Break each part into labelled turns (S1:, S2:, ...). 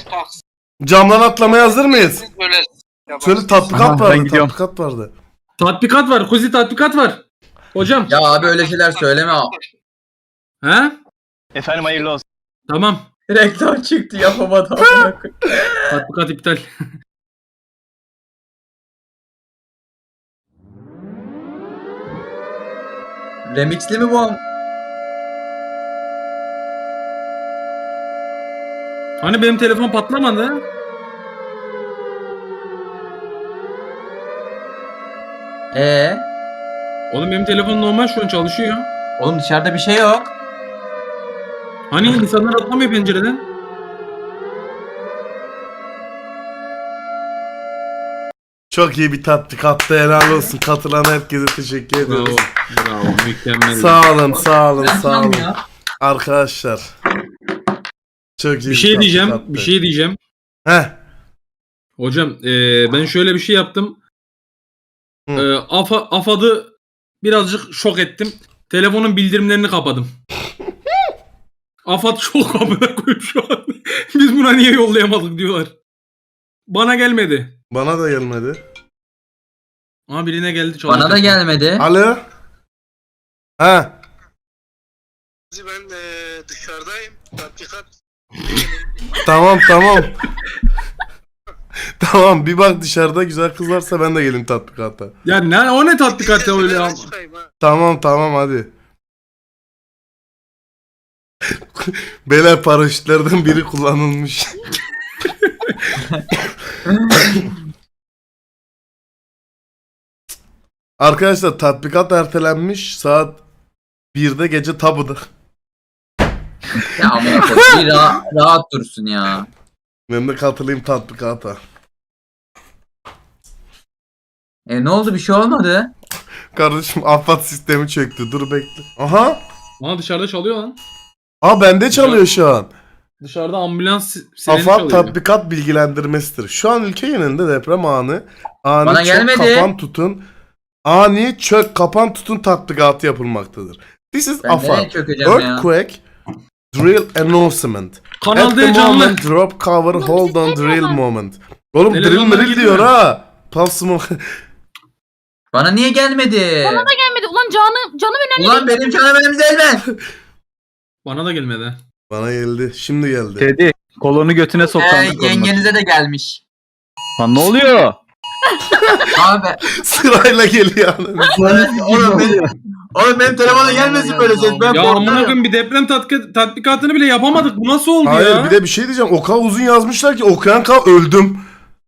S1: Camdan atlamaya hazır mıyız?
S2: Böyle
S1: Şöyle tatbikat
S3: Aha, ben
S1: vardı,
S3: gidiyorum.
S1: tatbikat vardı.
S4: Tatbikat var. Kuzi tatbikat var. Hocam.
S5: Ya abi öyle şeyler söyleme.
S4: He?
S3: Efendim hayırlı olsun.
S4: Tamam.
S5: Reklam çıktı yapamadım.
S4: Tatbikat iptal.
S5: Remixli mi bu?
S4: Hani benim telefon patlamadı? Oğlum benim telefon normal şu an çalışıyor.
S5: Oğlum dışarıda bir şey yok.
S4: Hani insanlar atlamıyor pencereden?
S1: Çok iyi bir tatbikattı, helal olsun. Katılan herkese teşekkür
S4: Bravo.
S1: ediyoruz.
S4: Bravo. Mükemmel.
S1: Sağ olun, sağ olun,
S5: Ben
S1: sağ olun.
S5: ya.
S1: Arkadaşlar. Çok iyi
S4: Bir şey diyeceğim.
S1: tatbikattı.
S4: Bir şey diyeceğim.
S1: Heh.
S4: Hocam ben şöyle bir şey yaptım.
S1: Hı.
S4: AFAD'ı birazcık şok ettim. Telefonun bildirimlerini kapadım. AFAD şok amına koyayım şu an. Biz buna niye yollayamadık diyorlar. Bana gelmedi.
S1: Bana da gelmedi.
S4: Ama birine geldi çalıştı.
S5: Bana da gelmedi.
S1: Alo. Ha.
S2: ben dışarıdayım. Tatbikat.
S1: Tamam, tamam. Tamam, bir bak dışarıda güzel kız varsa ben de gelin tatbikata.
S4: Ya ne o ne tatbikat ya öyle ya.
S1: Tamam, tamam, hadi. Beyler, paraşütlerden biri kullanılmış. Arkadaşlar tatbikat ertelenmiş, saat 1'de gece tabuda.
S5: Ya amına koyayım. Bir rahat dursun ya.
S1: Ben de katılayım tatbikata.
S5: Ne oldu, bir şey olmadı.
S1: Kardeşim AFAD sistemi çöktü, dur bekle. Aha.
S4: Bana dışarıda çalıyor lan.
S1: Aa, bende çalıyor şu an.
S4: Dışarıda ambulans sireni
S1: AFAD
S4: çalıyor.
S1: tatbikat bilgilendirmesidir. Şu an ülke genelinde deprem anı. Ani
S5: Bana
S1: çök,
S5: gelmedi.
S1: kapan tutun. Ani çök kapan tutun tatbikatı yapılmaktadır. This is
S5: Ben nereye
S1: AFAD.
S5: çökeceğim ya?
S1: Earthquake Drill Announcement.
S4: Kanal
S1: At
S4: D
S1: the
S4: canlı.
S1: moment drop cover hold on drill moment. Oğlum drill
S4: Telefonlara
S1: drill
S4: gidiyor.
S1: diyor ha. Pulse
S5: Bana niye gelmedi?
S6: Bana da gelmedi. Ulan canım önemli.
S5: Ulan benim canım elimde elmen.
S4: Bana da gelmedi.
S1: Bana geldi. Şimdi geldi.
S3: Teddy kolonu götüne soktan.
S5: Yengenize de gelmiş.
S3: Lan ne oluyor?
S5: Abi
S1: Sırayla geliyor.
S5: oğlum benim telefona gelmesin böyle ses. Ben
S4: Ya amına
S5: korkuyorum.
S4: koyayım bir deprem tatbikatını bile yapamadık. Bu nasıl oldu
S1: Hayır,
S4: ya?
S1: bir de bir şey diyeceğim. O kadar uzun yazmışlar ki okuyan kal öldüm.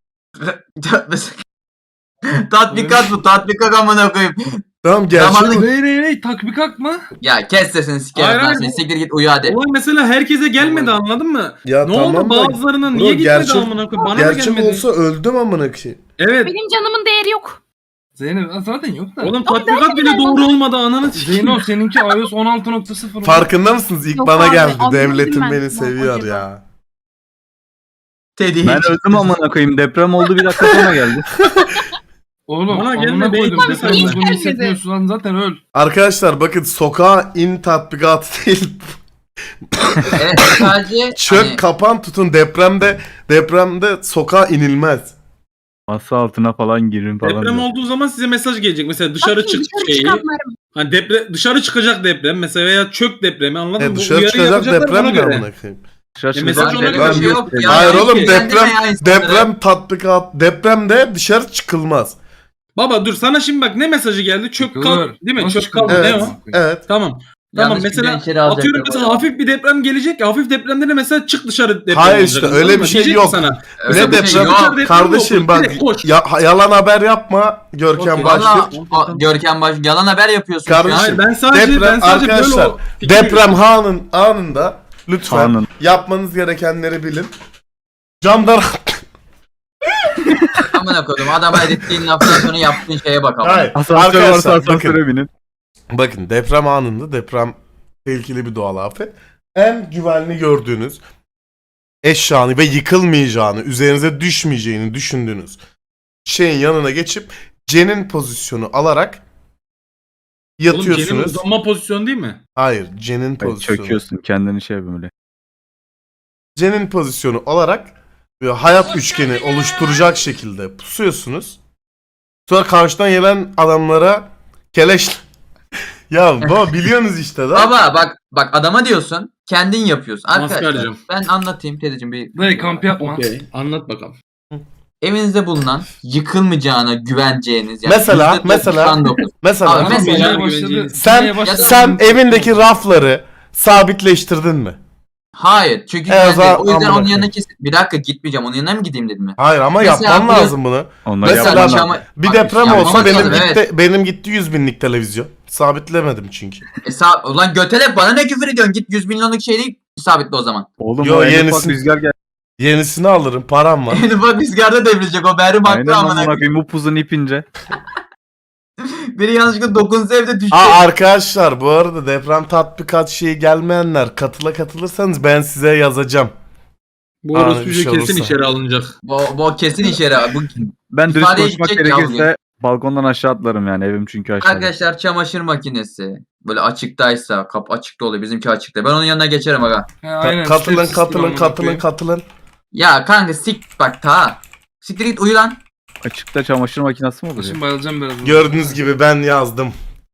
S5: Tatbikat bu, tatbikat amına koyayım.
S1: Tamam, gerçek.
S5: Zamanlı-
S4: Hey tatbikat mı?
S5: Ya kes sesini
S4: Hayır,
S5: sikerim lan
S4: hayır,
S5: seni.
S4: bu-
S5: Siktir git uyu hadi.
S4: Olay mesela herkese gelmedi anladın mı?
S1: Ya
S4: Ne
S1: tamam
S4: oldu
S1: da
S4: bazılarına
S1: bro,
S4: niye gitmedi
S1: gerçek-
S4: amına koyayım? Bana da
S1: gerçek
S4: gelmedi.
S1: olsa öldüm amına koyayım.
S4: Evet.
S6: Benim canımın değeri yok.
S7: Zeynep zaten yok da.
S4: Oğlum tatbikat bile doğru olmadı ananı sikeyim.
S7: Zeyno seninki iOS 16.0.
S1: Farkında mısınız? İlk
S6: Yok
S1: bana
S6: abi,
S1: geldi.
S6: anladım
S1: Devletim
S6: ben.
S1: beni
S6: Bak,
S1: seviyor
S6: acaba.
S1: ya.
S5: Teddy
S3: Ben öldüm amına koyayım. Deprem oldu, bir dakika sonra geldi.
S7: Oğlum
S4: Bana
S7: amına
S4: gelmedi,
S7: koydum.
S4: hiç
S7: Deprem
S6: gelmedi.
S7: olduğunu hissetmiyorsun lan zaten öl.
S1: Arkadaşlar bakın, sokağa in tatbikatı değil.
S5: Evet sadece
S1: Çök
S5: hani,
S1: kapan tutun, depremde sokağa inilmez.
S3: Masa altına falan girin falan.
S4: Deprem
S3: diyor.
S4: olduğu zaman size mesaj gelecek. Mesela dışarı çık şeyi.
S6: çıkanlarım.
S4: Hani dışarı çıkacak deprem mesela veya çök depremi anladın mı? Bu
S1: Dışarı
S4: uyarı
S1: çıkacak
S4: yapacaklar
S1: deprem
S4: buna
S1: ne
S4: göre.
S1: amına koyayım?
S3: Şaşırdım.
S4: mesaj ona
S5: böyle
S4: göre
S5: bir şey yok ya.
S1: Hayır oğlum,
S5: Kendime ya insanları.
S1: depremde dışarı çıkılmaz.
S4: Baba dur sana şimdi bak ne mesajı geldi? Çök kal
S7: Çıkılır.
S4: değil mi?
S7: Nasıl
S4: Çök kal
S7: çıkılır?
S4: ne
S1: Evet.
S4: o?
S1: Evet.
S4: Tamam.
S5: Yanlış
S4: Tamam
S5: bir
S4: mesela
S5: gençleri alacaklar
S4: atıyorum
S5: bu
S4: mesela
S5: arada.
S4: hafif bir deprem gelecek ya hafif depremde de mesela çık dışarı deprem
S1: Hayır
S4: olacak,
S1: işte,
S4: anladın
S1: öyle
S4: mı?
S1: bir şey
S4: Diyecek
S1: yok.
S4: ki sana.
S5: Öyle
S1: Ne
S5: bir şey
S1: deprem?
S5: yok.
S1: Kardeşim bak,
S4: Direkt koş.
S1: yalan haber yapma Görkem
S4: Okey.
S1: Başlık.
S5: Valla Görkem Baş yalan haber yapıyorsun
S1: Kardeşim,
S5: şu an.
S4: Hayır ben sadece
S1: Deprem
S4: böyle
S1: arkadaşlar,
S4: o fikri
S1: deprem anında lütfen
S3: Anın.
S1: yapmanız gerekenleri bilin. Camdan
S5: Amına koydum adama ettiğin laftan sonra yaptığın şeye bak ama.
S1: Hayır.
S3: Asansör varsa
S1: Arkadaşlar
S3: asansöre binin.
S1: bakın, deprem anında, deprem tehlikeli bir doğal afet. En güvenli gördüğünüz eşyanı ve yıkılmayacağını, üzerinize düşmeyeceğini düşündüğünüz şeyin yanına geçip cenin pozisyonu alarak
S4: Oğlum cenin
S1: yatıyorsunuz.
S4: uzanma pozisyonu değil mi?
S1: Hayır, cenin
S3: Hayır,
S1: pozisyonu.
S3: çöküyorsun kendini şey böyle.
S1: Cenin pozisyonu olarak böyle hayat üçgeni oluşturacak şekilde pusuyorsunuz. Sonra karşıdan gelen adamlara keleş... Ya baba biliyorsunuz işte da.
S5: Bak adama diyorsun. Kendin yapıyorsun. Arkadaşlar
S4: Maskarcığım.
S5: ben anlatayım Tedeciğim bir.
S7: Dayı kamp yapma.
S4: Okey. Anlat bakalım.
S5: Evinizde bulunan yıkılmayacağına güveneceğiniz.
S1: Mesela
S5: %99. Mesela
S1: Mesela
S5: Abi, mesela
S7: başladı.
S1: sen
S7: Yine başladı.
S1: sen evindeki rafları sabitleştirdin mi?
S5: Hayır çünkü
S1: o
S5: güvende.
S1: zaman
S5: O yüzden
S1: amına
S5: onun yanına
S1: koyayım.
S5: kesin. Bir dakika gitmeyeceğim. Onun yanına mı gideyim dedim mi?
S1: Hayır ama
S5: Mesela
S1: yapman
S5: bu-
S1: lazım bunu.
S3: Onları
S1: Mesela
S3: yapman
S5: ama-
S3: lazım.
S1: Bir
S5: Bak,
S1: deprem
S5: yapmamak
S1: olsa benim
S5: lazım,
S1: gitti
S5: evet.
S1: benim gitti 100 binlik televizyon. Sabitlemedim çünkü.
S5: Ulan götele bana ne küfür ediyorsun? Git 100 milyonluk şeyi sabitle o zaman.
S3: Oğlum
S1: Yo,
S3: o en
S1: yenisini-
S3: ufak rüzgar geldi.
S1: Yenisini alırım, param var.
S5: En ufak rüzgarda devrilecek o Berrim
S3: Aynen
S5: haklı amına
S3: amına
S5: koyayım.
S3: koyayım upuzun ipince.
S5: Biri yanlışlıkla dokunsa evde düşecek.
S1: Arkadaşlar bu arada deprem tatbikat şeyi gelmeyenler katılırsanız ben size yazacağım.
S4: Bu
S1: Abi,
S4: orospu
S1: bir şey
S4: kesin
S1: olursa.
S4: içeri alınacak.
S5: Bu kesin işe yarar. Bu
S3: Ben dürüst
S5: İfadeye
S3: konuşmak
S5: gidecek ya
S3: gerekirse balkondan aşağı atlarım yani evim çünkü aşağıda.
S5: arkadaşlar çamaşır makinesi böyle açıktaysa kapı açıkta oluyor. Bizimki açıkta. Ben onun yanına geçerim aga.
S7: He, aynen.
S1: Katılın
S7: Stepsiz
S1: katılın
S7: amına
S1: katılın
S7: koyayım.
S1: katılın.
S5: Ya kanka bak ta. Siktir git uyu lan.
S3: Açıkta çamaşır makinesi mi olur ya?
S7: Şimdi bayılacağım biraz.
S1: Gördüğünüz gibi ben yazdım.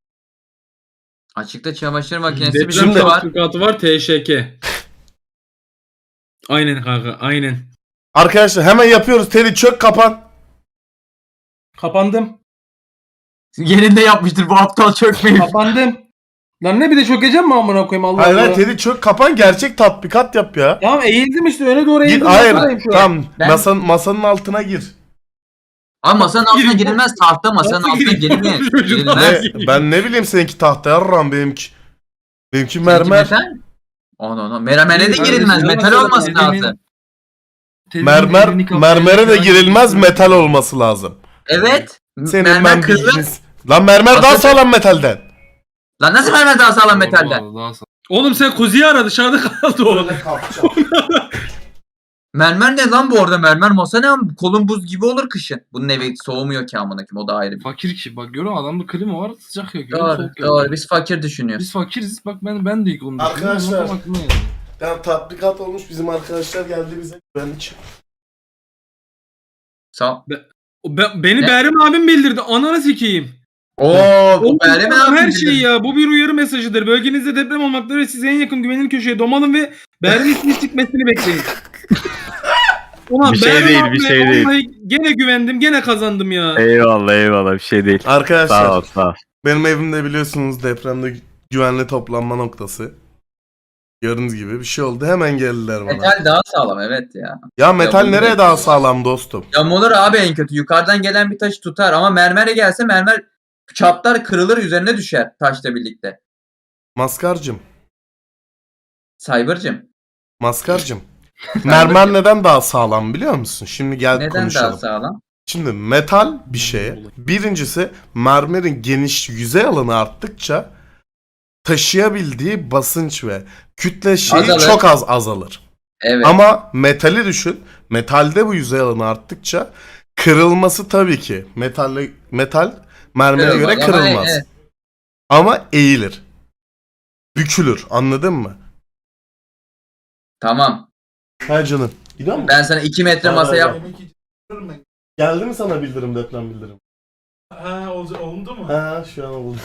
S5: Açıkta çamaşır makinesi
S4: Deprem
S5: bizimki var.
S4: tatbikatı var TŞK. Aynen kanka aynen.
S1: Arkadaşlar hemen yapıyoruz. Teddy çök kapan.
S4: Kapandım.
S5: Yerinde yapmıştır bu aptal çökmeyi.
S4: Kapandım. Lan ne bir de çökeceğim mi amına koyayım Allah
S1: Hayır
S4: Allah.
S1: hayır Teddy çök kapan, gerçek tatbikat yap ya.
S4: Tamam eğildim işte öne doğru
S1: Git
S4: eğildim.
S1: hayır
S4: Buradayım şu an.
S1: tamam
S5: Ben-
S1: masanın altına gir.
S5: Ama masanın altına
S4: Gireyim.
S5: girilmez. Tahta masanın
S4: Nasıl
S5: altına
S4: gireyim?
S5: girilmez.
S4: Çocuğum,
S5: Girilmez.
S1: Ne, ben ne bileyim seninki tahta yarram benimki. Benimki mermer.
S5: Metal. Ono. Mermere de
S7: Kardeşim,
S5: girilmez.
S7: ya
S5: Metal
S7: mesela
S5: olması
S7: elimin-
S5: lazım.
S1: Mermer mermere de girilmez, metal olması lazım.
S5: Evet.
S1: Senin
S5: mermer
S1: ben
S5: kırılır.
S1: bilginiz. Lan mermer daha
S5: Aslında-
S1: sağlam metalden.
S5: Lan nasıl mermer daha sağlam metalden?
S4: Oğlum sen kuzuyu ara dışarıda kaldı o.
S5: Mermer ne lan bu arada? Mermer masa ne? Kolun buz gibi olur kışın. Bunun evi soğumuyor ki amına koyayım. O da ayrı bir.
S7: Fakir ki bak görüyor musun? Adamda klima var sıcak yakıyor.
S5: Doğru,
S7: soğuk
S5: doğru.
S7: yakıyor.
S5: Biz fakir düşünüyoruz.
S7: Biz fakiriz bak ben de ilk onu
S1: Arkadaşlar.
S7: düşünüyorum, ama aklıma geldi.
S1: Yani tatbikat olmuş, bizim arkadaşlar geldi bize güvenlik.
S5: Sağ.
S4: Beni
S5: Ne?
S4: Berrim abim bildirdi. Ananı sikeyim.
S5: Oo, bu
S4: Oğlum,
S5: Berrim
S4: tamam,
S5: abi
S4: her
S5: bildirdi.
S4: şey ya. Bu bir uyarı mesajıdır. Bölgenizde deprem olmaktadır ve siz en yakın güvenilir köşeye domalın ve Berrim'in ismini çıkmasını bekleyin. Ulan
S3: Bir şey
S4: Berrim
S3: değil,
S4: abi,
S3: bir şey değil.
S4: vallahi gene güvendim, gene kazandım ya.
S3: Eyvallah bir şey değil.
S1: Arkadaşlar
S3: Sağ ol sağ ol.
S1: benim evimde biliyorsunuz depremde güvenli toplanma noktası. Gördüğünüz gibi bir şey oldu, hemen geldiler bana.
S5: Metal daha sağlam evet ya.
S1: Ya metal
S5: Ya bu-
S1: nereye daha sağlam dostum?
S5: Yamulur abi en kötü. Yukarıdan gelen bir taş tutar ama mermere gelse mermer çatlar kırılır üzerine düşer taşla birlikte.
S1: Maskarcım,
S5: Cyber'cım
S1: mermer neden daha sağlam biliyor musun? Şimdi gel
S5: neden
S1: konuşalım.
S5: daha sağlam?
S1: Şimdi metal bir şeye, birincisi mermerin geniş yüzey alanı arttıkça taşıyabildiği basınç ve kütle şeyi
S5: Azalır.
S1: çok az azalır.
S5: Evet.
S1: Ama metali düşün. Metalde bu yüzey alanı arttıkça kırılması tabii ki metal mermere
S5: Kırılmaz
S1: göre
S5: ama
S1: kırılmaz.
S5: evet.
S1: Ama eğilir. Bükülür. Anladın mı?
S5: Tamam.
S1: Ha canım. Gidiyor musun?
S5: Ben sana 2 metre masa yap.
S1: Geldi mi sana bildirim, deprem bildirim?
S8: Ha oldu mu?
S1: Ha şu an oldu.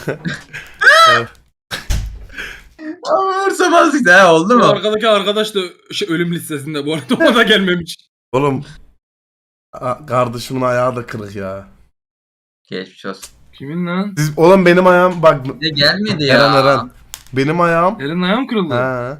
S5: Umursamazlık ha oldu
S4: Bu
S5: mu?
S4: arkadaki arkadaş da ölüm listesinde bu arada o da gelmemiş.
S1: Oğlum kardeşimin ayağı da kırık ya.
S5: Geçmiş olsun.
S7: Kimin lan?
S1: Oğlum benim ayağım bak,
S5: Ne gelmedi ya.
S1: Eren. Benim ayağım
S7: Elin ayağım kırıldı.
S1: ha.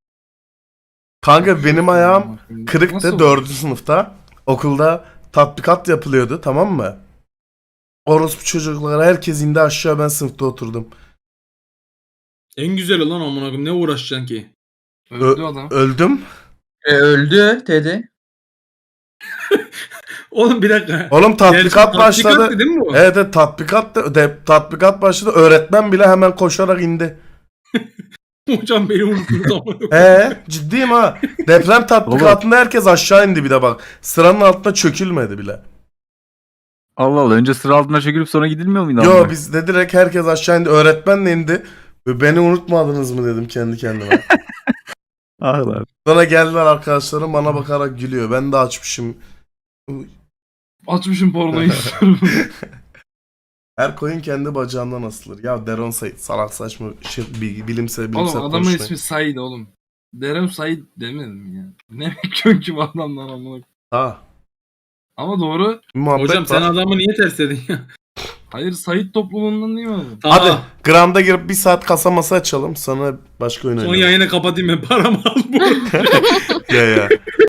S1: Kanka benim ayağım kırıktı
S7: Nasıl?
S1: 4. sınıfta. Okulda tatbikat yapılıyordu, tamam mı? Orospu çocuklara herkes indi aşağı, ben sınıfta oturdum.
S4: En güzel olan amına koyayım, ne uğraşacaksın ki?
S7: Öldü adam.
S1: Öldüm.
S5: Öldü Teddy.
S4: Oğlum bir dakika.
S1: Oğlum tatbikat başladı.
S4: Tatbikattı değil mi bu?
S1: Evet, evet tatbikat başladı. Öğretmen bile hemen koşarak indi.
S4: Hocam beni unuttunuz amına koyayım.
S1: Ciddiyim ha. Deprem tatbikatında herkes aşağı indi bir de bak. Sıranın altına çökülmedi bile.
S3: Allah Allah önce sıra altına çökülüp sonra gidilmiyor muydu?
S1: Yo
S3: amına?
S1: bizde direkt herkes aşağı indi. Öğretmen de indi. Ve beni unutmadınız mı dedim kendi kendime.
S3: Ah lan.
S1: Sonra geldiler arkadaşlarım bana bakarak gülüyor. Ben de açmışım.
S7: Açmışım pornoyu istiyorum.
S1: Her koyun kendi bacağından asılır. Ya Deron Said salak saçma bilimsel
S7: Oğlum
S1: bilimsel
S7: adamın
S1: konuşmayın.
S7: ismi Said oğlum. Derem Said demedim ya. Ne bekliyorsun ki bu adamdan amına?
S1: Ha.
S7: Ama doğru.
S1: Bir muhabbet
S4: Hocam sen
S1: var.
S4: adamı niye ters dedin ya?
S7: Hayır Said topluluğundan değil mi adam?
S1: Hadi
S4: Tamam.
S1: Grand'a girip bir saat kasa masa açalım. Sonra başka oyun
S4: Son
S1: oynayalım.
S4: yayını kapatayım ben paramı al bu.
S1: Ya ya.